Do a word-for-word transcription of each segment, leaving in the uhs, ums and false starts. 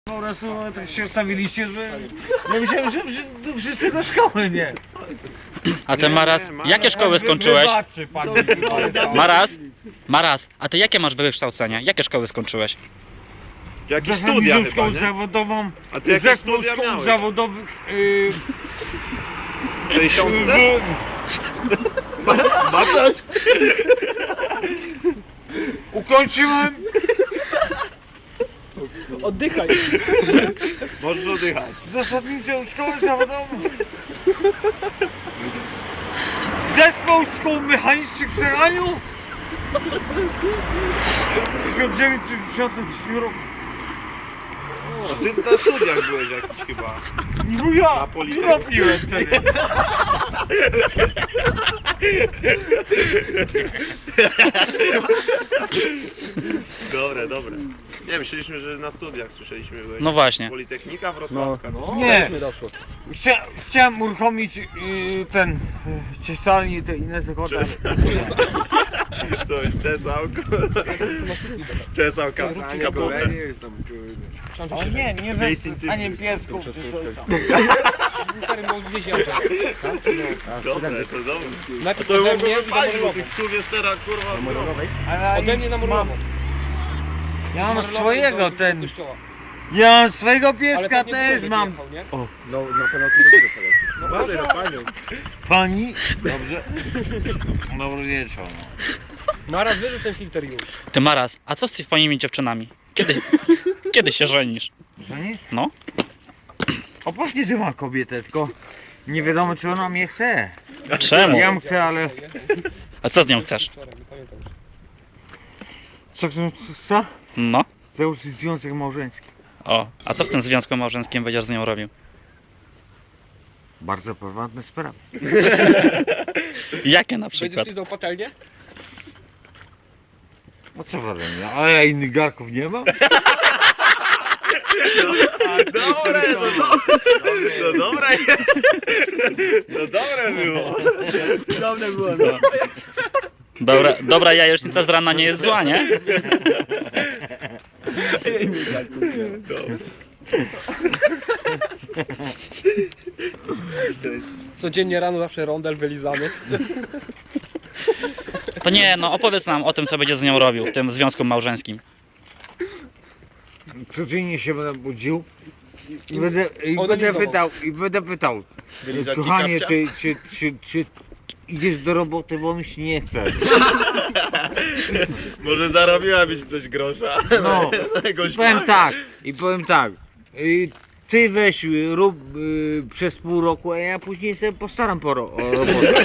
Po prostu tak się ustawiliście, że ja myślałem, że, że, że wszyscy do szkoły, nie? A ty Maras, jakie szkoły skończyłeś? Wybaczy pan. Maras? Maras, a ty jakie masz wykształcenie? Jakie szkoły skończyłeś? Jakieś studia Zasadniczą chyba, szkołę nie? zawodową, A ty jakie zespół studia szkół miałeś? zawodowych yy, sześćdziesiąt? w... Ukończyłem Oddychaj. Możesz oddychać. zasadniczą szkołę zawodową. Zespół szkół mechanicznych w Seraniu w tysiąc dziewięćset dziewięćdziesiątym trzecim roku. O, ty na studiach byłeś jakiś chyba. No ja, Na Politechnice. robiłem wtedy. Dobre, dobre. Nie, myśleliśmy, że na studiach słyszeliśmy byłeś. No właśnie. Politechnika Wrocławska. No. Nie, Mi doszło. Chcia, chciałem uruchomić yy, ten yy, ciesalnię i te inne zakłady. Coś, czesałko. Czesał kasanie, golenie. O nie, nie Miejsce że stanie piesków czy coś tam. Dobre, to dobre. A Najpierw to ode mogło mnie i wypalić, bo do tych psów jest teraz kurwa. Ale Ode mnie na mam, Morlową. ja mam Morlową swojego do ten, kościoła. ja mam swojego Ale pieska pewnie też Włodek mam. jechał, nie? No, na pewno tu do góry poleci. No Uważaj na proszę. panią. Pani? Dobrze. Dobry wieczór. Maras, wyrzuć ten filtr już. Ty Maras, a co z twoimi dziewczynami? Kiedy, kiedy się żenisz? Żeni? No. O pewnie, że ma kobietę, tylko nie wiadomo czy ona mnie chce. Czemu? Ja ją chcę, ale A co z nią chcesz? Wczoraj, nie pamiętam. co chcę? Co? No. Założyć związek małżeński. O, a co w tym związku małżeńskim będziesz z nią robił? Bardzo prywatne sprawy. Jakie na Będziesz przykład? lizał patelnię? No co ode mnie? A ja innych garków nie mam? Dobre, no dobre. No dobre. No dobre było. Dobre było, no. Dobra, dobra jajecznica z rana nie jest zła, nie? Codziennie rano zawsze rondel wylizany. To nie, no opowiedz nam o tym, co będziesz z nią robił w tym związku małżeńskim. Codziennie się będę budził i będę, i Ona będę lizował. pytał, i będę pytał, Wylizać ci kochanie, kapcia? ty, czy, czy, czy idziesz do roboty, bo mi się nie chce. Może zarobiłabyś coś grosza. No, Jakąś i powiem magię. tak, i powiem tak, y, ty weź, y, rób y, przez pół roku, a ja później sobie postaram po ro, o robotę.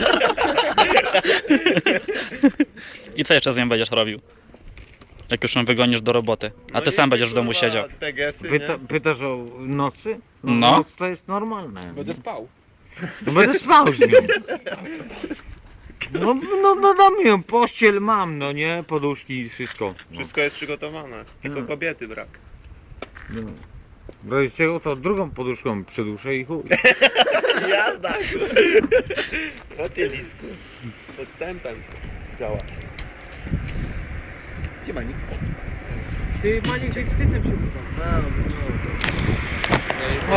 I co jeszcze z nią będziesz robił? Jak już ją wygonisz do roboty, a ty No sam i będziesz w domu kurwa, siedział. Te gesy, Pyta, nie? pytasz o nocy? No. Noc to jest normalne. Będę spał. No będę spał z nią. No, no, no dam ją, pościel mam, no nie, poduszki i wszystko. No. Wszystko jest przygotowane. Tylko Hmm. kobiety brak. No. W razie czego to drugą poduszką przeduszę i chuj. Jazda! O ty lisku. Podstępem działa. Gdzie Manik? Ty, Maniek, gdzieś z cycem się uda. No, no.